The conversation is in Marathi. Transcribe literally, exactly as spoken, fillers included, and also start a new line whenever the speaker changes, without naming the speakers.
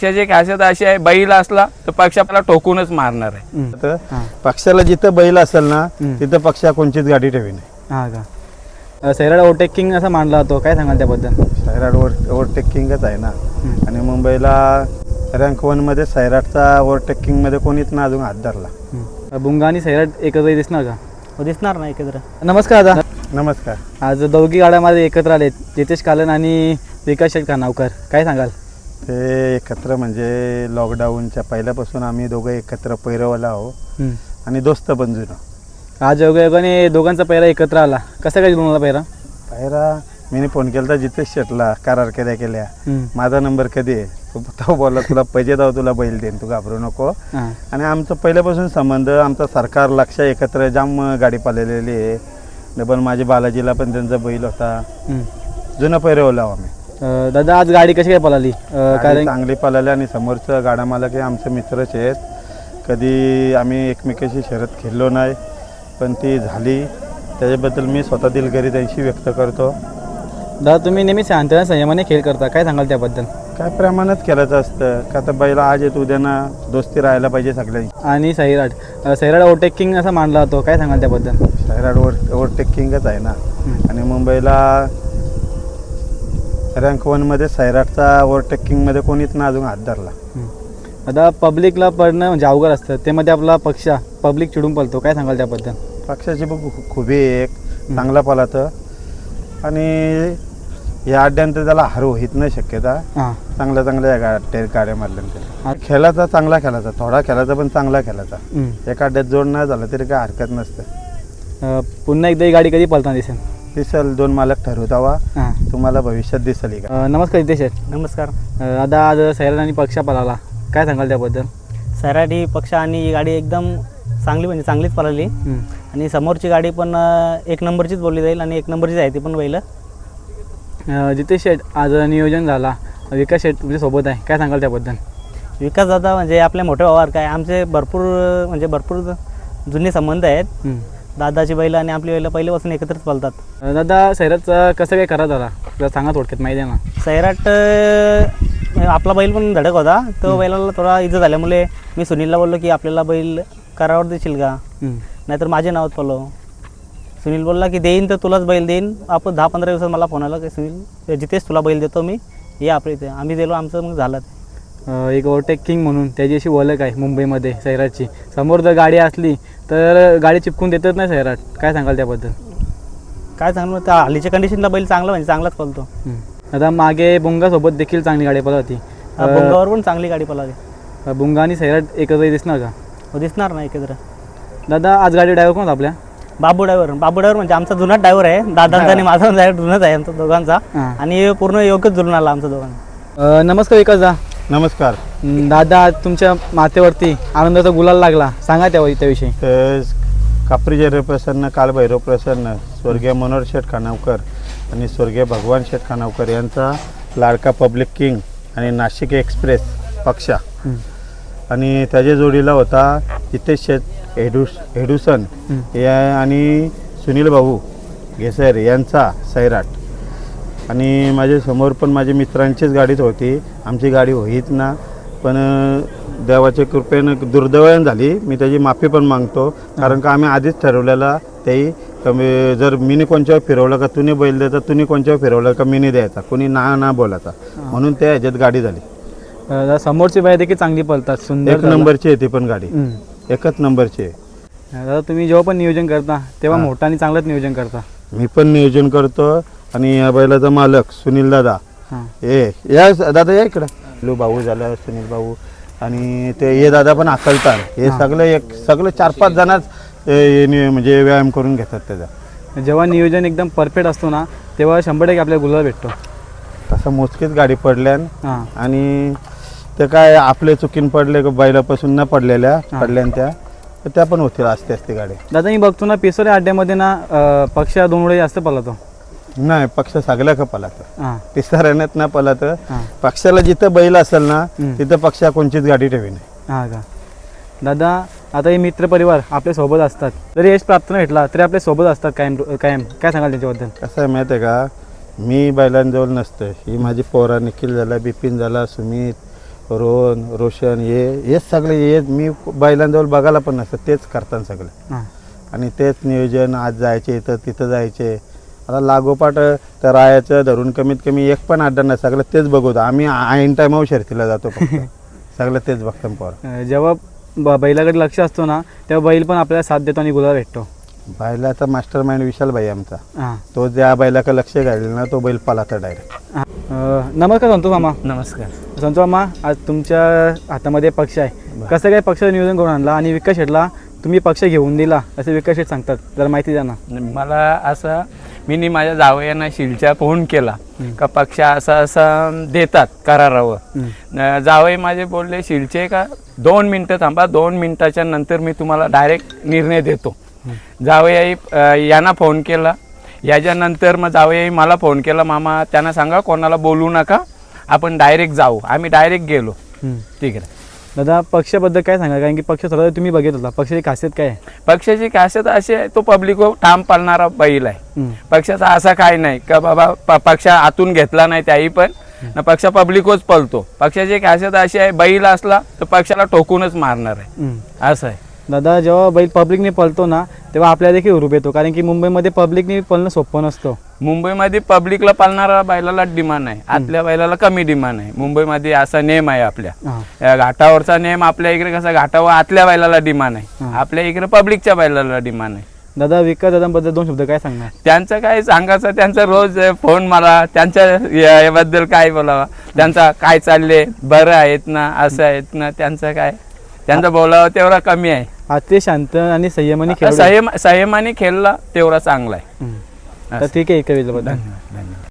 पक्षाची खासियत अशी आहे, बैल असला तर पक्ष आपल्याला टोकूनच मारणार आहे.
तर पक्षाला जिथं बैल असेल ना तिथं पक्षा कोणचीच गाडी ठेवी नाही.
हां का. सैराट ओव्हरटेकिंग असा मानला जातो, काय सांगाल त्याबद्दल?
सैराट ओव्हर ओव्हरटेकिंगच आहे ना. आणि मुंबईला रँक वनमध्ये सैराटचा ओव्हरटेकिंगमध्ये कोणीच ना अजून हात धरला.
बुंगा आणि सैराट एकत्र दिसणार का?
हो, दिसणार ना एकत्र.
नमस्कार दादा.
नमस्कार.
आज दोघी गाड्यामध्ये एकत्र आलेत, जितेश कालन आणि विकास शेठ खानावकर, काय सांगाल?
ते एकत्र म्हणजे लॉकडाऊनच्या पहिल्यापासून आम्ही दोघं एकत्र पैरवला आहो आणि दोस्त पण जुनं.
आज योगायोगाने दोघांचा पहिरा एकत्र आला, कसं काय जुळून पहिरा?
पहिरा मी फोन केला तर जितेश शेटला करार केल्या केल्या माझा नंबर कधी आहे, तो बोलला तुला पैसे दाव तुला बैल देईन, तू घाबरू नको. आणि आमचं पहिल्यापासून संबंध, आमचा सरकार लक्ष एकत्र जाम गाडी पालेलेली आहे. पण माझ्या बालाजीला पण त्यांचा बैल होता, जुनं पैरवला आम्ही.
दादा आज गाडी कशी काय पळाली?
कारण चांगली पळाली आणि समोरचं गाडा मालक हे आमचे मित्रच आहेत. कधी आम्ही एकमेकाशी शर्यत खेळलो नाही, पण ती झाली त्याच्याबद्दल मी स्वतः दिलगिरी त्यांची व्यक्त करतो.
दादा तुम्ही नेहमी शांतता संयमाने खेळ करता, काय सांगाल त्याबद्दल?
काय प्रमाणात खेळायचं असतं का, तर बैला आज येत उद्या ना दोस्ती राहायला पाहिजे सगळ्यांची.
आणि सैराट सैराट ओव्हरटेकिंग असा मानला जातो, काय सांगाल त्याबद्दल?
सैराट ओव्हर ओव्हरटेकिंगच आहे ना. आणि मुंबईला रँक वनमध्ये सैराटचा ओव्हरटेकिंगमध्ये कोणीच ना अजून हात धरला.
आता पब्लिकला पडणं म्हणजे अवघड असतं, ते मध्ये आपला पक्ष पब्लिक चिडून पळतो, काय सांगाल त्याबद्दल?
पक्षाची पण खूबी एक चांगला पळातं आणि या अड्ड्यानंतर त्याला हार होत नाही शक्यता. चांगल्या चांगल्या गाड्या गाड्या मारल्यानंतर खेळाचा चांगला खेळायचा, थोडा खेळायचा पण चांगला खेळायचा. एका अड्ड्यात जोड नाही झाला तरी काय हरकत नसतं.
पुन्हा एकदा ही गाडी कधी पळताना दिसेल?
दिसेल, दोन मालक ठरवतावा, तुम्हाला भविष्यात दिसेल. का
नमस्कार जितेश शेठ.
नमस्कार.
दादा आज सैराट आणि पक्ष पळाला, काय सांगाल त्याबद्दल?
सैराट ही पक्ष आणि ही गाडी एकदम चांगली म्हणजे चांगलीच पळाली. आणि समोरची गाडी पण एक नंबरचीच बोलली जाईल आणि एक नंबरचीच आहे ती पण बैल.
जितेश शेठ आज नियोजन झाला, विकास शेठ तुमच्या सोबत आहे, काय सांगाल त्याबद्दल?
विकास दादा म्हणजे आपल्या मोठे भावार काय आमचे भरपूर म्हणजे भरपूर जुने संबंध आहेत. दादाची बैल आणि आपली बैल पहिल्यापासून एकत्रच पळतात.
दादा सैराटचा कसं काय करा झाला जरा सांगा थोडक्यात, माहिती आहे ना?
सैराट आपला बैल पण धडक होता, तो बैलाला थोडा इजा झाल्यामुळे मी सुनीलला बोललो की आपल्याला बैल करावर देशील का, नाहीतर माझ्या नावात पळव. सुनील बोलला की देईन तर तुलाच बैल देईन. आपण दहा पंधरा दिवसात मला फोन आला की सुनील जिथेच तुला बैल देतो मी, ये आपल्या इथे. आम्ही दिलो, आमचं मग झालं.
एक ओव्हरटेकिंग म्हणून त्याची अशी ओळख आहे मुंबईमध्ये सैराटची. समोर जर गाडी असली तर गाडी चिपकून देतच नाही सैराट, काय सांगाल त्याबद्दल?
काय सांगू, त्या हल्लीच्या कंडिशनला बैल चांगला म्हणजे चांगलाच पळतो.
आता मागे बुंगासोबत देखील चांगली गाडी पळत होती,
बुंगावर पण चांगली गाडी पळाली.
बुंगा आणि सैराट एकत्र दिसणार का?
हो, दिसणार ना एकत्र.
दादा आज गाडी ड्रायव्हर कोण आपल्या?
बाबू ड्रायव्हर. बाबू ड्रायव्हर म्हणजे आमचा जुनाच ड्रायव्हर आहे. दादांचा आणि माझा ड्रायव्हर जुनाच आहे आमचा दोघांचा, आणि पूर्ण योग्यच जुळून आला आमचा दोघांना.
नमस्कार विकास दा.
नमस्कार
दादा. आज तुमच्या माथेवरती आनंदाचा गुलाल लागला, सांगा त्या त्याविषयी.
कापरी प्रसन्न, कालभैरव प्रसन्न, स्वर्गीय मनोहर शेठ खानावकर आणि स्वर्गीय भगवान शेठ खानावकर यांचा लाडका पब्लिक किंग आणि नाशिक एक्सप्रेस पक्षा, आणि त्याच्या जोडीला होता जितेश शेठ हेडूस हेडुसन या आणि सुनील भाऊ घेसर यांचा सैराट. आणि माझ्या समोर पण माझ्या मित्रांचीच गाडीच होती, आमची गाडी होईत ना, पण देवाच्या कृपेनं दुर्दैवानं झाली. मी त्याची माफी पण मागतो, कारण का आम्ही आधीच ठरवलेला त्याही कमी, जर मीने कोणच्यावर फिरवलं का तुम्ही बैल द्यायचा, तुम्ही कोणच्यावर फिरवलं का मीने द्यायचा, कोणी ना ना बोलायचा, म्हणून त्या ह्याच्यात गाडी झाली.
समोरची बाई देखील चांगली पळतात, सुंदर
एक नंबरची आहे ती पण गाडी, एकच नंबरची आहे.
दादा तुम्ही जेव्हा पण नियोजन करता तेव्हा मोठा आणि चांगलंच नियोजन करता.
मी पण नियोजन करतो, आणि या बैलाचा मालक सुनील दादा, ए या दादा या इकडं, लू भाऊ झाला सुनील भाऊ, आणि ते ये दादा पण अकलतात, हे सगळं एक सगळं चार पाच जणच म्हणजे व्यायाम करून घेतात त्याचा.
जेव्हा नियोजन एकदम परफेक्ट असतो ना तेव्हा शंभर टक्के आपल्याला गुलाल भेटतो.
तसं मोजकीच गाडी पडल्यान, आणि ते काय आपले चुकीन पडले बैलापासून न पडलेल्या पडल्यान त्या तर त्या पण होतील असते असते गाडी.
दादा मी बघतो ना पिसोरे अड्ड्यामध्ये ना पक्ष दोन वेळे जास्त पळतो.
नाही, पक्ष सगळ्या का पळतं, पिसाऱ्यात ना पळतं. पक्षाला जिथं बैल असेल ना तिथं पक्षा कोणचीच गाडी ठेवी नाही.
हां का. दादा आता हे मित्र परिवार आपल्या सोबत असतात, जरी यश प्राप्त न भेटला तरी आपल्या सोबत असतात कायम कायम, काय सांगाल त्याच्याबद्दल?
कसं आहे माहिती आहे का, मी बैलांजवळ नसतं, ही माझी पोरा निखिल झाला, बिपिन झाला, सुमित, रोहन रोशन हे हेच सगळे हे मी बैलांजवळ बघायला पण नसतं तेच करतात सगळे
हां
आणि तेच नियोजन आज जायचे इथं तिथं जायचे आता लागोपाठ तर राहायचं धरून कमीत कमी एक पण अड्डा नाही सगळं तेच बघवतो आम्ही ऐन टायमावर शर्तीला जातो फक्त सगळं तेच बघतो पोर
अं, जेव्हा ब बैलाकडे लक्ष असतो ना तेव्हा बैल पण आपल्याला साथ देतो आणि गुलाल भेटतो.
बैलाचा मास्टर माइंड विशाल भाई आमचा
हां
तो ज्या बैलाकडे लक्ष घालेल ना तो बैल पलाता डायरेक्ट.
अं, नमस्कार संतोष मामा.
नमस्कार.
संतोष मामा आज तुमच्या हातामध्ये पक्ष आहे कसं काय पक्षाचं नियोजन करून आणला आणि विकास शेटला तुम्ही पक्ष घेऊन दिला असे विकास शेट सांगतात जरा माहिती द्या ना.
मला असं मी माझ्या जावयांना शिलच्या फोन केला का पक्ष असा असा देतात करारावर. न- जावई माझे बोलले शिलचे का दोन मिनटं थांबा दोन मिनटाच्या नंतर मी तुम्हाला डायरेक्ट निर्णय देतो. जावई अ, यांना फोन केला याच्यानंतर मग जावई मला फोन केला मामा त्यांना सांगा कोणाला बोलू नका आपण डायरेक्ट जाऊ. आम्ही डायरेक्ट गेलो. ठीक आहे.
दादा पक्षाबद्दल काय सांगा कारण की पक्ष स्वतः तुम्ही बघित होता पक्षाची खासियत काय आहे.
पक्षाची खासियत अशी आहे तो पब्लिकवर ठाम पाळणारा बैल आहे. पक्षाचा असा काय नाही का बाबा प- पक्ष आतून घेतला नाही त्याही पण न पक्ष पब्लिकच पळतो. पक्षाची खासियत अशी आहे बैल असला तर पक्षाला ठोकूनच मारणार आहे असं आहे.
दादा जेव्हा बैल पब्लिकने पळतो ना तेव्हा आपल्याला देखील हुरूप येतो कारण की मुंबईमध्ये पब्लिकने पळणं सोपं नसतं.
मुंबईमध्ये पब्लिकला पाळणारा बैलाला डिमांड आहे आतल्या बैलाला कमी डिमांड आहे. मुंबईमध्ये असा नेम आहे आपल्या
हां
या घाटावरचा नेम आपल्या इकडे कसा घाटावर आतल्या बैलाला डिमांड आहे आपल्या इकडे पब्लिकच्या बैलाला डिमांड आहे.
दादा विकास दादांबद्दल दोन शब्द काय सांगणार.
त्यांचं काय सांगायचं त्यांचा रोज फोन मला त्यांच्या या- याबद्दल काय बोलावा त्यांचा काय चालले बरं आहेत ना असं आहेत ना त्यांचं काय त्यांचं बोलावं तेवढा कमी आहे.
आज ते शांत आणि संयमाने खेळ
संयम संयमाने खेळला तेवढा चांगला आहे.
तर ठीक आहे इतक्या वेळेबद्दल
धन्यवाद धन्यवाद.